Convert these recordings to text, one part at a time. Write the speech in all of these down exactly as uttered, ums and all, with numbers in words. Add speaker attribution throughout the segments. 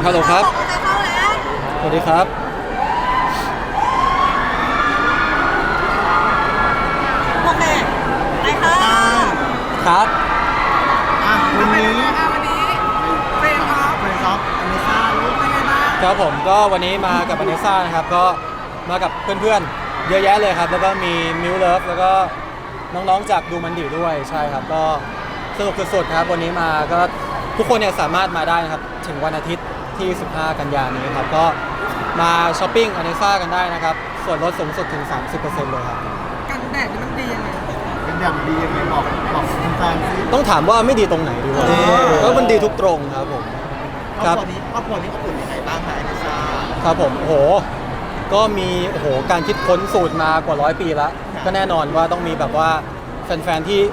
Speaker 1: ฮัลโหลครับสวัสดีครับ
Speaker 2: โอเคไปค่ะ
Speaker 1: ครับ
Speaker 3: อ่ะวันนี้
Speaker 2: วันนี้เฟรนครับ
Speaker 3: เฟรนด์ออฟอเมซ่ารู้เป็นไงบ้าง
Speaker 1: ครับผมก็วันนี้มากับอเนซ่านะครับก็มากับเพื่อนๆเยอะแยะเลยครับแล้วก็มีมิวเลิฟแล้วก็น้องๆจากดูมันดีด้วยใช่ครับก็สนุกสุดๆครับวันนี้มาก็ทุกคนเนี่ยสามารถมาได้นะครับถึงวันอาทิตย์ที่สิบห้ากันยายนนี้ครับก็มาช้อปปิ้งอเนซ่ากันได้นะครับส่วนลดสูงสุดถึง สามสิบเปอร์เซ็นต์ เลยครับ
Speaker 2: กันแดดมันดียังไง
Speaker 3: เป็นอย่างดียังไงบอกบอกแฟนๆสิ
Speaker 1: ต้องถามว่าไม่ดีตรงไหนดีกว่า
Speaker 3: เออ
Speaker 1: แล้วมันดีทุกตรงครับผมค
Speaker 3: คร
Speaker 1: รั
Speaker 3: อบบ ครัวนี้ครอบครัวนี้อบอุ่นยังไงบ้างคะอเมซ่า
Speaker 1: ครับผมโอ้โหก็มีโอ้โหการคิดค้นสูตรมากว่าร้อยปีแล้วก็แน่นอนว่าต้องมีแบบว่าแฟนๆที่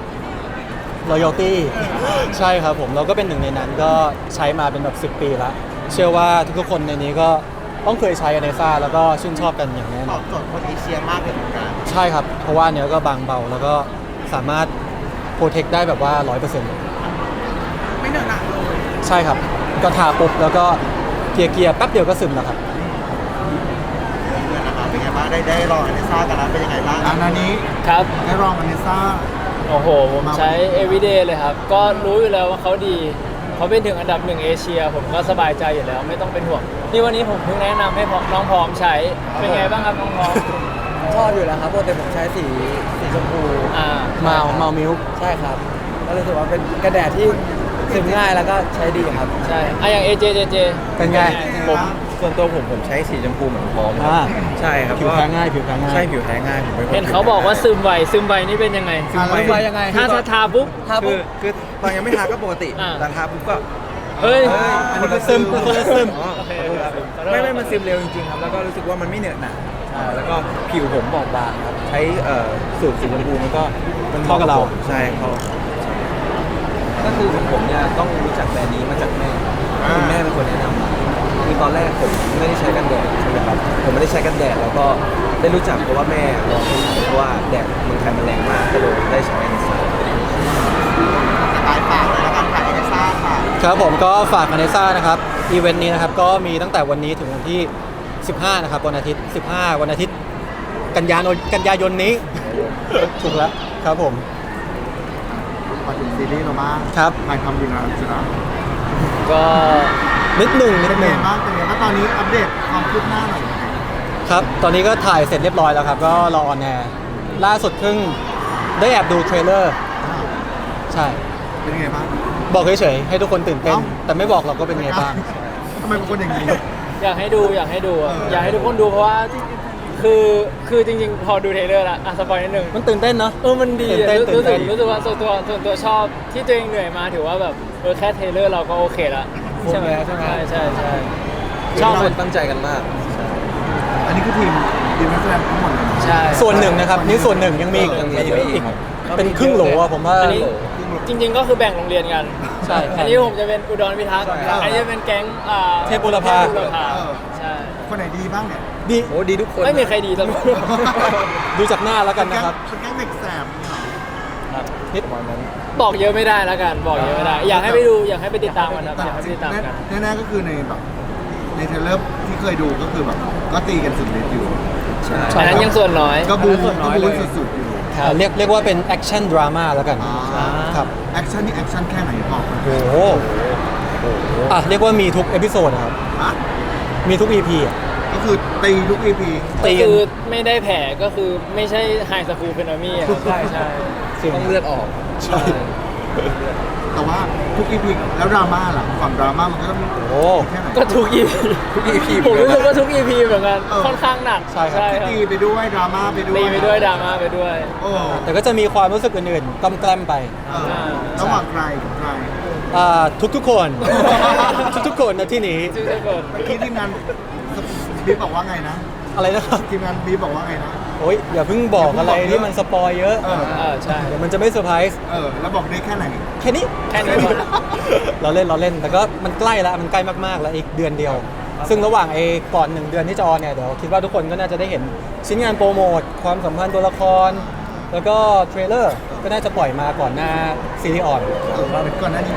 Speaker 1: loyalty ใช่ครับผมเราก็เป็นหนึ่งในนั้นก็ใช้มาเป็นแบบสิบปีแล้วเชื่อว่าทุกๆคนในนี้ก็ต้องเคยใช้อเนซ่าแล้วก็ชื่นชอบกันอย่างแน่
Speaker 3: ต
Speaker 1: น
Speaker 3: อ
Speaker 1: อบ น
Speaker 3: โจทย์คนเอเชียมากเลยเหมือนกัน
Speaker 1: ใช่ครับเพราะว่าเนื้อก็บางเบาแล้วก็สามารถโปรเทคได้แบบว่า ร้อยเปอร์เซ็นต์ เลย
Speaker 2: ไม่เหนอะหนักเลย
Speaker 1: ใช่ครับก็ทาปุ๊บแล้วก็เกียร์เกียร์แป๊บเดียวก็ซึมแล้วครับ
Speaker 3: เพื่อนนะคะเป็นไงบ้างได้ได้ลองอเมซ่ากันแล้วเป็นยังไงบ้างอันนี้
Speaker 4: ครับ
Speaker 3: ได้ลองอเมซ่า
Speaker 4: โอ้โห ผมใช้ everyday เลยครับ ก็รู้อยู่แล้วว่าเขาดี เขาเป็นถึงอันดับหนึ่งเอเชีย ผมก็สบายใจอยู่แล้ว ไม่ต้องเป็นห่วง นี่วันนี้ผมเพิ่งแนะนำให้น้องพร้อมใช้ เป็นไงบ้างครับน้องพร้อม
Speaker 5: ชอบอยู่แล้วครับปกติผมใช้สีสีชมพู
Speaker 4: อ่า
Speaker 1: เมาเมามิล
Speaker 5: ใช่ครับก็รู้สึกว่าเป็นกระแดดที่ซึมง่ายแล้วก็ใช้ดีครับ
Speaker 4: ใช่อ่ะอย่าง เอ เจ เจ เจ
Speaker 1: เป็นไง
Speaker 3: ผม
Speaker 6: ส่วนตัวผมผมใช้สีชมพูเหมือนพร้อม
Speaker 1: อ่า
Speaker 6: ใช่ครับ
Speaker 1: ผิวแพ้ง่ายผิวแพ้ง่าย
Speaker 6: ใช่ผิวแพ้ง่ายผมเป็นคน
Speaker 4: เห็นเขาบอกว่าซึมไว ซึมไวนี่เป็นยังไง
Speaker 3: ซึมไว
Speaker 5: ไปยังไง
Speaker 4: ถ้าถ้าทาปุ๊บ
Speaker 5: ถ้า
Speaker 6: คื
Speaker 5: ปุ๊
Speaker 6: อบ คือตอนยังไม่ทาก็ปกติ
Speaker 4: อ่า
Speaker 6: แต่ทาปุ๊บก็
Speaker 4: เฮ้ย
Speaker 3: อันนี้ก็
Speaker 1: ซึ
Speaker 3: ซึ
Speaker 1: ม
Speaker 3: ม
Speaker 1: คนละซึม
Speaker 6: อ๋อ
Speaker 4: โอเค
Speaker 6: ขอโทษครับ
Speaker 4: ขอโทษ
Speaker 6: ไม่ไม่มันซึมเร็วจริงๆครับแล้วก็รู้สึกว่ามันไม่เหนอะหนะใช่แล้วก็ผิวผมบอบบางครับใช้เอ่อสูตรสีชมพูมันก็มัน
Speaker 1: เข้ากับเรา
Speaker 6: ผมใช่เข้าก็คือผมเนี่ยต้องรู้จักแบรนด์นี้มาจากแม่คุณแม่เป็นคนแนะนำมาคือตอนแรกผมไม่ได้ใช้กันแดดใช่ไหมครับผมไม่ได้ใช้กันแดดแล้วก็ได้รู้จักเพราะว่าแม่ลองให้ใช้เพราะว่าแดดเมืองไทยมันแรงมากก็เลยได้ใช้อันนี้
Speaker 3: สายฝากเลยแล้วกันค่ะอเมซ่าค่ะ
Speaker 1: ครับผมก็ฝากอเนซ่านะครับอีเวนต์นี้นะครับก็มีตั้งแต่วันนี้ถึงวันที่ สิบห้า นะครับวันอาทิตย์ สิบห้า วันอาทิตย์ กันยายนกันยายนนี้ ถูกแล้วครับผม
Speaker 3: มาถึงซีรีส์เราบ้าง
Speaker 1: ครับ
Speaker 3: ถ่ายทำอยู่นะสินะ
Speaker 4: ก็
Speaker 1: นิดหนึ่งนิ
Speaker 3: เป็
Speaker 1: ด
Speaker 3: น
Speaker 1: ห
Speaker 3: ไง
Speaker 1: นึ่ง
Speaker 3: บ้างเป็นไงบ้างตอนนี้อัปเดตความคืบหน้าหน่อย
Speaker 1: ครับตอนนี้ก็ถ่ายเสร็จเรียบร้อยแล้วครับก็รอออนแอร์ล่าสุดเพิ่งได้แอบดูเทรลเลอร์ใช่
Speaker 3: เป็นไงบ้าง
Speaker 1: บอกเฉยๆให้ทุกคนตื่นเต้น
Speaker 3: เอ้า
Speaker 1: แต่ไม่บอกเราก็เป็นไงบ้าง
Speaker 3: ทำไมเป็นคนอย่างนี้
Speaker 4: อยากให้ดูอยากให้ดูอะ
Speaker 3: เออ
Speaker 4: อยากให้ทุกคนดูเพราะว่าคือคือจริงๆ พอดูเทรลเลอร์ละอ่ะสปอยนิดนึง
Speaker 1: มันตื่นเต้นเนาะ
Speaker 4: เออ มันดี
Speaker 1: ตื่น
Speaker 4: อะ
Speaker 1: เต้น
Speaker 4: รู้รู้สึก
Speaker 1: ตื่นเต้น
Speaker 4: รู้สึกว่าส่วนตัวส่วนตัวชอบที่ตัวเองเหนื่อยมาถือว่าแบบเออแค่เทรลเลอร์เราก็โอเคละใช่ไหม
Speaker 5: ใช่ไหม
Speaker 4: ใช่ใช่ใช่ช
Speaker 6: ช
Speaker 4: อ
Speaker 6: อ
Speaker 4: บบ
Speaker 6: คนตั้งใจกันมาก
Speaker 3: อันนี้คือทีมทีมนักแสดงทั้งหมดเลยนะ
Speaker 4: ใช่
Speaker 1: ส่วนหนึ่งนะครับนี่ส่วนหนึ่งยังมีอีก
Speaker 6: ยังมี
Speaker 1: อีกเป็นครึ่งโหลอะผมว่า
Speaker 4: อันนี้จริง ๆ ก็คือแบ่งโรงเรียนกัน
Speaker 1: ใช่
Speaker 4: อันนี้ผมจะเป็นอุดรพิทักษ์
Speaker 3: ใช่
Speaker 4: อันนี้จะเป็นแก๊งอ่า
Speaker 1: เทพบุรพา
Speaker 4: เทพบุรพา
Speaker 3: เออ
Speaker 4: ใช่
Speaker 3: คนไหนดีบ้างเนี่ย
Speaker 1: ดี
Speaker 6: โอ้ดีทุกคน
Speaker 4: ไม่มีใครดีสักคน
Speaker 1: ดูจากหน้าแล้วกันนะครับ
Speaker 3: เป็นแก๊งเด็กแสบเหรอ
Speaker 1: นิด
Speaker 6: ประมาณนั้น
Speaker 4: บอกเยอะไม่ได้แล้วกัน บอกเยอะไม่ได้ อยากให้ไปดูอยากให้ไปติดตามกันครับอยากให้ไปติดตามกัน
Speaker 3: แน่ๆก็คือในแบบในเทรลเลอร์ที่เคยดูก็คือแบบก็ตีกันสุดฤทธิ์อยู่
Speaker 6: ใช่
Speaker 4: อันนั้นยังส่วนน้อย
Speaker 3: ก็บู
Speaker 5: อันนั้นส่วนน้
Speaker 3: ก็
Speaker 5: อย
Speaker 3: บู
Speaker 5: เลย
Speaker 3: สุดๆอยู่
Speaker 1: อ่าเรียกเรียกว่าเป็นแอคชั่นดราม่าแล้วกัน
Speaker 3: อ่า
Speaker 1: ครับ
Speaker 3: แอคชั่นนี่แอคชั่นแค่ไหนบอกมา
Speaker 1: โอ้โหอ่ะเรียกว่ามีทุกเอพิโซดนะครับ
Speaker 3: อ่ะ
Speaker 1: มีทุก อี พี อ่ะ
Speaker 3: ก็คือตีทุก อี พี
Speaker 1: ตี
Speaker 4: ก็
Speaker 1: กัน
Speaker 4: คือไม่ได้แผลก็คือไม่ใช่ไฮสคูลเฟนอมี่อะใช่ใช่
Speaker 6: ต้องเลือดออก
Speaker 1: ใช่
Speaker 3: แต่ว่าทุก อี พี แล้วดราม่าล่ะฝั่งดราม่ามันก็ต้อง
Speaker 1: โอ้
Speaker 3: แค่ไหน
Speaker 4: ก็ทุก อีพี
Speaker 6: ทุก อี พี
Speaker 4: ผมรู้สึกว่าทุก อี พีเหมือนกัน
Speaker 3: เออ
Speaker 4: ค่อนข้างหนัก
Speaker 1: ใช่ครับ
Speaker 4: ครับ
Speaker 3: ตีไปด้วยดราม่าไปด้วย
Speaker 4: ตีไปด้วยดราม่าไปด้วย
Speaker 3: โอ้
Speaker 1: แต่ก็จะมีความรู้สึกอื่นๆกำแกล้มไป
Speaker 3: เออระหว่างใครกับใคร
Speaker 1: อ่าทุกๆคน ทุกๆคนนะที่นี้
Speaker 4: ชื่อเจ้าคน
Speaker 3: เมื่อกี้ทีมงานบีบบอกว่าไงนะ
Speaker 1: อะไรนะครับ
Speaker 3: ทีมงานบีบบอกว่าไงนะ
Speaker 1: โอ้ยอย่าเพิ่งบอกอะไรที่มันสปอยเยอะ
Speaker 3: เออ
Speaker 4: เออใช่
Speaker 1: เดี๋ยวมันจะไม่เซอร์ไพรส์
Speaker 3: เออ แล้วบอกได้แค่ไหน
Speaker 1: แค่นี้
Speaker 4: แค่นี้พอ
Speaker 1: เราเล่นเราเล่นแต่ก็มันใกล้แล้วมันใกล้มากๆแล้วอีกเดือนเดียว ซึ่งระหว่างไอ้ก่อนหนึ่งเดือนที่จะออนเนี่ยเดี๋ยวคิดว่าทุกคนก็น่าจะได้เห็นชิ้นงานโปรโมทความสัมพันธ์ตัวละคร แล้วก็เทรลเลอร์ก็น่าจะปล่อยมาก่อนหน้าซีรีส์ออน
Speaker 3: เออก่อนหน้านี้แบบ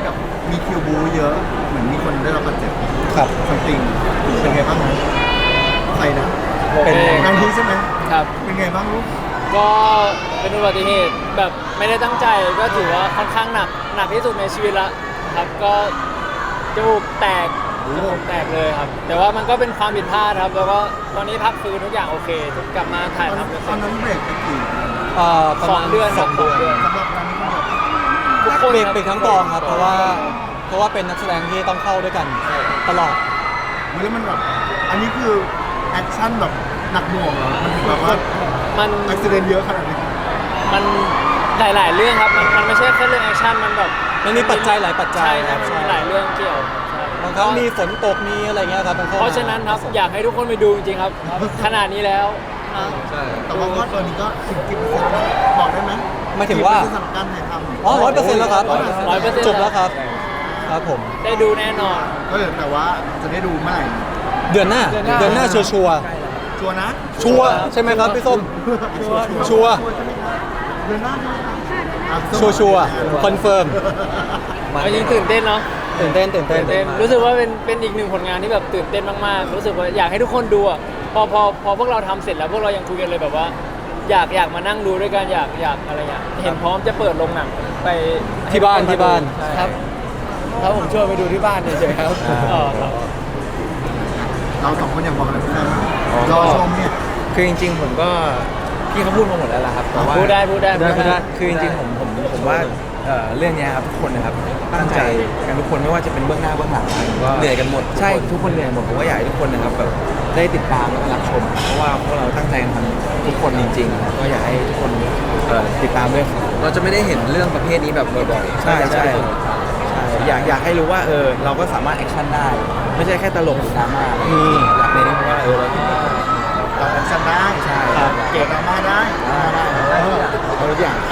Speaker 3: มีคิวบูเยอะเหมือนมีคนได้รับบาดเจ็บ
Speaker 1: ครับ
Speaker 3: ซัมติงเป็นไงบ้างนะใครนะ
Speaker 4: ผม
Speaker 1: เป็น
Speaker 4: เอง
Speaker 3: นางทีใช่ไหม
Speaker 4: ครับ
Speaker 3: เป็นไงบ้างลูก
Speaker 4: ก็เป็นอุบัติเหตุแบบไม่ได้ตั้งใจก็ถือว่าค่อนข้างหนักหนักที่สุดในชีวิตละครับก็จมูกแตกจมูกแตกเลยครับ แต่ว่ามันก็เป็นความผิดพลาดครับ แล้วก็ตอนนี้พักฟื้นทุกอย่างโอเคทุกกลับมาถ่าย
Speaker 3: ตอน
Speaker 4: ทำกัน
Speaker 3: ต
Speaker 4: เสร็
Speaker 3: อน
Speaker 4: จ
Speaker 3: นั้นเบรกไปกี่
Speaker 1: เอ่อประ
Speaker 4: สอ
Speaker 1: มาง ณ
Speaker 4: เดือน
Speaker 1: สองเดือน
Speaker 4: สองเดือน
Speaker 3: สำหรับการนี้คนเดียว
Speaker 4: ทุกคน
Speaker 1: เบรก
Speaker 4: ครับ
Speaker 1: เบรกทั้งกองครับ เพราะว่าเพราะว่าเป็นนักแสดงที่ต้องเข้าด้วยกันตลอด
Speaker 3: แล้วมันแบบอันนี้คือแอคชั่นแบบหนักหน่วงเหรอมันถึงแบบว่า
Speaker 4: มัน
Speaker 3: อุบิเหตุเยอะขนาดนี้
Speaker 4: มันหลาย ๆ เรื่องครับ มันมันไม่ใช่แค่เรื่องแอคชั่นมันแบบ
Speaker 1: มันมีปัจจัยหลายปัจจัย
Speaker 4: ใช่
Speaker 1: ค
Speaker 4: ใช่
Speaker 1: รับ
Speaker 4: มัน
Speaker 1: ใช่
Speaker 4: มีหลายเรื่องเกี่ยวใช่
Speaker 1: บางครั้งมีฝนตกมีอะไรเงี้ยครับมันข้ม
Speaker 4: เพราะฉะนั้นครับอยากให้ทุกคนไปดูจริงๆครับ ขนาดนี้แล้วนะ
Speaker 6: ใช่
Speaker 3: แต่ว่าก็ตอนนี้ก็สิบกี่เปอร์เซ็นต์แล้วบอกได้ไหม
Speaker 1: หมายถึงว่า
Speaker 3: กี่เปอร์เซ็นต์สำหรับการถ่ายทำ
Speaker 1: อ๋อร้อยเปอร์เซ็นต์แล้วครับ
Speaker 4: ร้อยเปอร์เซ็นต์
Speaker 1: จบแล้วครับ ครับผม
Speaker 4: ได้ดูแน่นอน
Speaker 3: ก็เลยแต่ว่าจะได้ดูเมื่อไหร่
Speaker 1: เดือนหน้า
Speaker 4: เดือนหน้า
Speaker 1: เดือนหน้าชัวร์ชัวร์
Speaker 3: ชัวร์นะ
Speaker 1: ชัวร์ใช่ไหมครับพี่ส้ม ชัวร์
Speaker 3: ใช่ไหมครับเดือนหน้าใช่ไหมครับอ่ะ
Speaker 1: ชัวร์ชัวร์คอนเฟิร์ม
Speaker 4: เอาจริงตื่นเต้นเนาะ
Speaker 1: ตื่นเต้นตื่นเต้น
Speaker 4: ตื่นเต้นรู้สึกว่าเป็นเป็นอีกหนึ่งผลงานที่แบบตื่นเต้นมากๆ รู้สึกว่าอยากให้ทุกคนดูอ่ะพอพอพอพวกเราทำเสร็จแล้วพวกเรายังคุยกันเลยแบบว่า อยากอยากมานั่งดูด้วยกันอยากอยากอะไรอย่างเห็นพร้อมจะเปิดโรงหนังไป
Speaker 1: ที่บ้านที่บ้าน
Speaker 4: ใช่
Speaker 5: ครับครับผมชวนไปดูที่บ้านเฉยๆครับ
Speaker 4: อ๋อครับ
Speaker 3: เราสองคนอยากบอกอะไรเพื่อนบ้างรอชมเนี่ย
Speaker 6: คือจริงๆผมก็พี่เขาพูดมาหมดแล้วล่ะครับแต่ว่า
Speaker 4: พูดได้พูดได้
Speaker 1: ได้พูดได้
Speaker 6: คือจริงๆผมผมผมว่าเอ่อเรื่องเนี้ยครับทุกคนนะครับตั้งใจกันทุกคนไม่ว่าจะเป็นเบื้องหน้าเบื้องหลังนะเหนื่อยกันหมดใช่ทุกคนเหนื่อยหมดผมก็อยากให้ทุกคนนะครับแบบได้ติดตามและรับชม เพราะว่าพวกเราตั้งใจกันทำทุกคนจริงๆก็อยากให้ทุกคนเอ่อติดตามด้วยเราจะไม่ได้เห็นเรื่องประเภทนี้แบบบ่อยๆใช่ใช่ใช่อยากอยากให้รู้ว่าเออเราก็สามารถแอคชั่นได้ ไม่ใช่แค่ตลกหรือดราม่าอะไรอย่างเงี้ยอยากเน้นว่าเออเรา
Speaker 3: เราแอคชั่นได้
Speaker 6: ใช่
Speaker 3: ครับเก็บดราม่าได้ได้ได้เออ
Speaker 6: เอาทุกอย่าง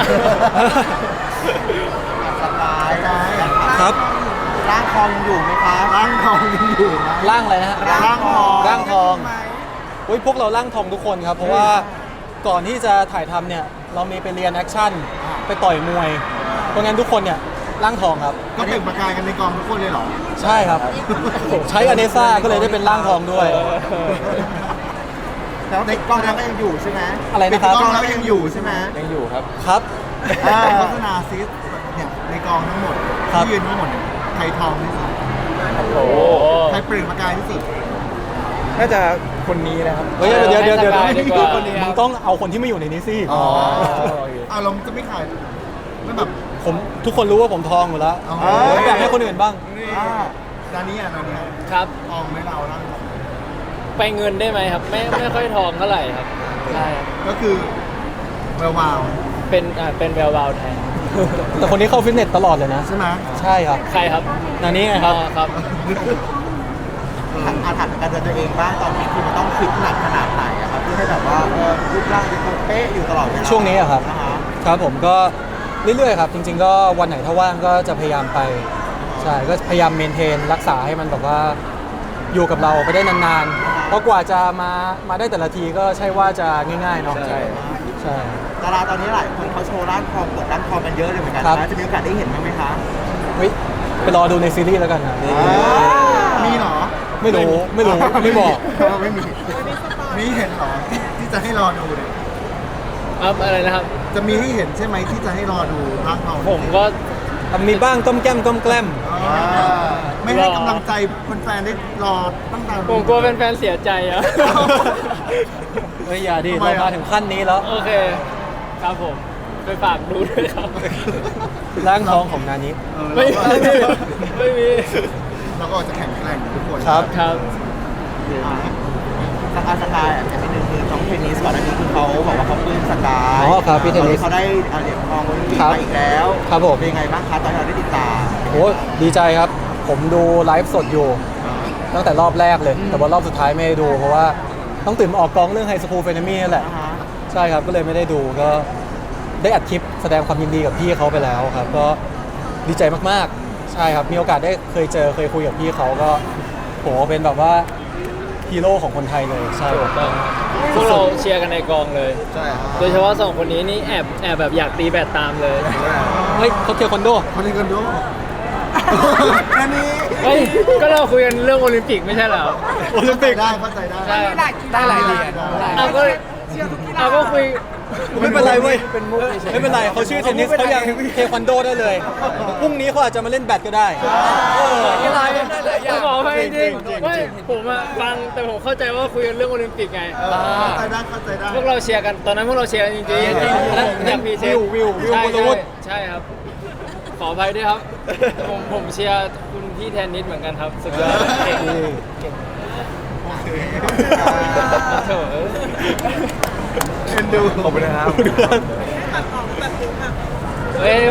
Speaker 3: สบายได้
Speaker 1: ครับ
Speaker 3: ร่างทองยังอยู่ไหมคะร่างทองยังอยู่ไหม
Speaker 1: ร่างอะไรนะฮะ
Speaker 3: ร่างทอง
Speaker 1: ร่างทองเฮ้ยพวกเราร่างทองทุกคนครับ เพราะว่าก่อนที่จะถ่ายทำเนี่ยเรามีไปเรียนแอคชั่นไปต่อยมวย เพราะงั้นทุกคนเนี่ยร่างทองครับ
Speaker 3: ก็เปล่งประกายกันในกองทุกคนเลยเหรอ
Speaker 1: ใช่ครับ ใช้อเนซ่าก็เลยได้เป็นร่างทองด้วย
Speaker 3: ในกล้องแล้วก็ยังอยู่ใช่ไหม
Speaker 1: อะไรนะครับ
Speaker 3: ในกล้องแล้วก็ยังอยู่ใช่ไหม
Speaker 6: ยังอยู่ครับ
Speaker 1: ครับ
Speaker 3: อ่าโฆษณาซิสเนี่ยในกองทั้งหมด
Speaker 1: ครับ
Speaker 3: ที่ยืนทั้งหมดเนี่ยใครทองที่สุด
Speaker 4: โอ้โห
Speaker 3: ใครเปล่งประกายที่สุด
Speaker 6: น่าจะคนนี้นะครับ
Speaker 1: เฮ้ยเดี๋ยวเดี๋ยวเดี๋ยว
Speaker 4: ให้สบายดีกว่า
Speaker 1: มึงต้องเอาคนที่ไม่อยู่ในนี้สิ
Speaker 3: อ๋ออารมณ์จะไม่ขายไม่แบบ
Speaker 1: ผมทุกคนรู้ว่าผมทองอยู่แล้ว
Speaker 3: อ๋อ
Speaker 1: ผมอยากให้คนอื่นบ้าง
Speaker 3: อ่าดานี้อ่ะดานี้อ่ะ
Speaker 4: ครับ
Speaker 3: ทองไหม่เราร่างทอง
Speaker 4: ไปเงินได้ไหมครับ ไม่ไม่ค่อยทองเท่าไหร่ครับใช่ครับ
Speaker 3: ก็คือแวววาว
Speaker 4: เป็นอ่าเป็นแวววาวแทน
Speaker 1: แต่คนนี้เข้าฟิตเนสตลอดเลยนะ
Speaker 3: ใช่ไหม
Speaker 1: ใช่ครับ
Speaker 4: ใครครับ
Speaker 1: นานี้ไงครับ
Speaker 4: อ๋อครับ
Speaker 3: อาถรรพ์การเดินตัวเองบ้างตอนนี้คือมันต้องฟิตหนักขนาดไหนอะครับเพื่อให้แบบว่าเออรูปร่างจะคงเป๊ะอยู่ตลอดเวลา
Speaker 1: ช่วงนี้อะครับ
Speaker 3: นะฮะ
Speaker 1: ครับผมก็เรื่อยๆครับ จริง ๆ ก็วันไหนถ้าว่างก็จะพยายามไป ใช่ ก็พยายามเมนเทนรักษาให้มันแบบว่าอยู่กับเราไปได้นานๆ เพราะกว่าจะมามาได้แต่ละทีก็ใช่ว่าจะง่ายๆเนาะ
Speaker 6: ใช่
Speaker 1: ใช่
Speaker 3: ดาราตอนนี้หลายคนเขาโชว์ร่างทองเปิดร่างทองกันเยอะเลยเหมือนกัน
Speaker 1: ครับ
Speaker 3: นะจะมีโอกาสได้เห็นบ้างไหมคะ
Speaker 1: เฮ้ยไปรอดูในซีรีส์แล้วกันนะ
Speaker 3: มีเหรอ
Speaker 1: ไม่รู้ไม่รู้ไม่บอก
Speaker 3: ไม่มีมีเห็นเหรอที่ที่จะให้รอดูเนี่ย
Speaker 4: ครับอะไรนะครับ
Speaker 3: จะมีให้เห็นใช่ไหมที่จะให้รอดูร่างทอง
Speaker 4: ผมก็
Speaker 1: มีบ้างก้มแก้มก้มแกล้ม
Speaker 3: อ่าไม่ให้กำลังใจแฟนๆได้รอตั้งแต่
Speaker 4: ผมกลัวแฟนๆเสียใจอะ
Speaker 1: เฮ้ยอย่าดิ
Speaker 3: ทำไม
Speaker 1: เรา
Speaker 3: อะ
Speaker 1: มาถึงขั้นนี้แล้ว
Speaker 4: โอเค ครับผม ไปฝากดูด้วยครับ
Speaker 1: ร่างทองของนานี้
Speaker 3: เออ
Speaker 4: ไม่
Speaker 3: เรา
Speaker 4: มี
Speaker 3: ก็
Speaker 4: ไม่มี
Speaker 3: เราก็จะแข่งแกร่งทุกคน
Speaker 1: ครับ
Speaker 4: ครับ
Speaker 3: อ่าสกายสกายอ่ะแต่นิดนึงคือน้องเทนนิสก่อนอันนี้คือเขาบอกว่าเขาปลื้มสกาย
Speaker 1: อ๋อครับพี่เทนนิส
Speaker 3: เขาได้อ่าเหรียญทองโอลิมปิก
Speaker 1: ครับ
Speaker 3: มาอีกแล้ว
Speaker 1: ครับผม
Speaker 3: เป็นยังไงบ้างคะตอนที่เราได้ติดตาม
Speaker 1: โอ้ดีใจครับ ผมดูไลฟ์สดอยู่ ตั้งแต่รอบแรกเลย แต่ว่ารอบสุดท้ายไม่ได้ดู เพราะว่าต้องตื่นมาออกกองเรื่องไฮสคูลเฟนมี่นั่นแหละ
Speaker 3: อ่าฮะ
Speaker 1: ใช่ครับ ก็เลยไม่ได้ดูก็ได้อัดคลิปแสดงความยินดีกับพี่เขาไปแล้วครับ ก็ดีใจมากๆ ใช่ครับ มีโอกาสได้เคยเจอเคยคุยกับพี่เขาก็โหเป็นแบบว่าฮีโร่ของคนไทยเลยใช่ครับ
Speaker 4: พวกเราเชียร์กันในกองเลย
Speaker 3: ใช่
Speaker 4: โดยเฉพาะสองคนนี้นี่แอบแอบแบบอยากตีแบดตามเลย
Speaker 1: เฮ้ยเขาเทียร์คอนโด
Speaker 3: คนนี้กันด้วยอันนี้
Speaker 4: เฮ้ยก็เราคุยกันเรื่องโอลิมปิกไม่ใช่เหรอ
Speaker 1: โอลิมปิก
Speaker 3: ได้เข้าใจได้
Speaker 4: ใช่
Speaker 5: ได้หลายเหรียญ
Speaker 4: เอาก็เอาก็คุย
Speaker 1: ไม่เป็นไรเว้ย
Speaker 5: เป็นมุกเฉยๆ
Speaker 1: ไม่เป็นไรเขาชื่อเทนนิสเขายังเทควันโดได้เลยพรุ่งนี้เขาอาจจะมาเล่นแบดก็ได้เออ
Speaker 5: กีฬาเล่นได้หลายอย่าง
Speaker 4: ผมบอกให้จริง
Speaker 1: จริงๆ
Speaker 4: ไม่ผมอะฟังแต่ผมเข้าใจว่าคุยกันเรื่องโอลิมปิกไง
Speaker 3: เข้าใจได้เข้าใจได้
Speaker 4: พวกเราเชียร์กันตอนนั้นพวกเราเชียร์กันจริงๆ
Speaker 1: จริงๆ
Speaker 4: แล้วอยากพรีเซนต์
Speaker 1: วิววิววิว
Speaker 4: ใช่
Speaker 1: วรวุฒิ
Speaker 4: ใช่ใช่ครับ ขออภัยด้วยครับ ผมผมเชียร์คุณพี่แทนนิสเหมือนกันครับสุดยอดเก่งเก่งเถอะ
Speaker 3: เอ็นดู
Speaker 6: ขอบคุณนะครับ
Speaker 4: เฮ้ย